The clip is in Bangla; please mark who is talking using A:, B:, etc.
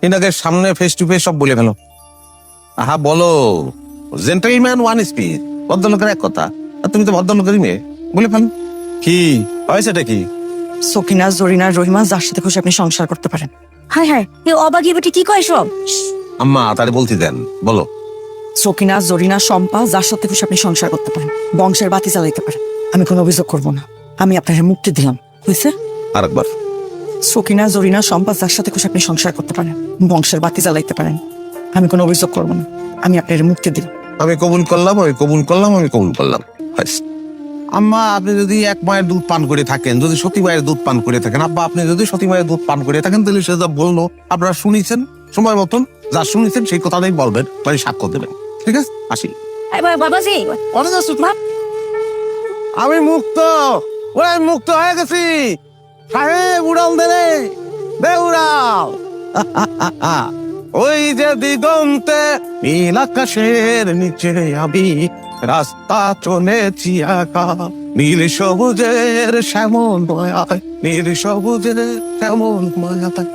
A: এনাকে সামনে ফেস টু ফেস সব বলে ফেলো। আহা বলো, জেন্টলম্যান ওয়ান স্পিচ, ভদ্রলোকের এক কথা। আর তুমি তো ভদ্রলোকেরই মেয়ে, বলে ফেলো। কি হয়েছেটা কি?
B: সকিনা, জরিনা, রহিমা যার সাথে খুশি আপনি সংসার করতে পারেন।
C: হায় হায়, এ অবাগি বেটি কি কয় সব?
A: আম্মা তারে বলতে দেন, বলো।
B: সকিনা, জরিনা, শম্পা যার সাথে খুশি আপনি সংসার করতে পারেন, বংশের বাতি জ্বালাইতে পারেন। আমি কোনো অভিযোগ করব না, আমি আপনাকে মুক্তি দিলাম, বুঝছে?
A: আরেকবার।
B: সকিনা, জরিনা, শম্পা যার সাথে খুশি আপনি সংসার করতে পারেন, বংশের বাতি জ্বালাইতে পারেন। আমি কোনো অভিযোগ করব না, আমি আপনাকে মুক্তি দিলাম।
A: আমি কবুল করলাম, আমি কবুল করলাম, আমি কবুল করলাম। ব্যাস। আম্মা আপনি যদি এক মায়ের দুধ পান করে থাকেন, যদি সতী মায়ের দুধ পান করে থাকেন, আব্বা আপনি যদি সতী মায়ের দুধ পান করে থাকেন, তাহলে সে যা বললো আপনারা শুনেছেন, সময় মতন যা শুনেছেন সেই কথাটাই বলবেন, মানে সাক্ষ্য দেবেন। ঠিক আছে, আসি।
C: বাবাজি অনেক আসুক মা।
A: আমি মুক্ত, ওই মুক্ত হয়ে গেছি। সাহেব উড়াল দে, দে উড়াল। ওই যে দিগন্তে নীল আকাশের নিচে আমি রাস্তা চলেছি একা, নীল সবুজের শ্যামল মায়ায়, নীল সবুজের শ্যামল মায়ায়।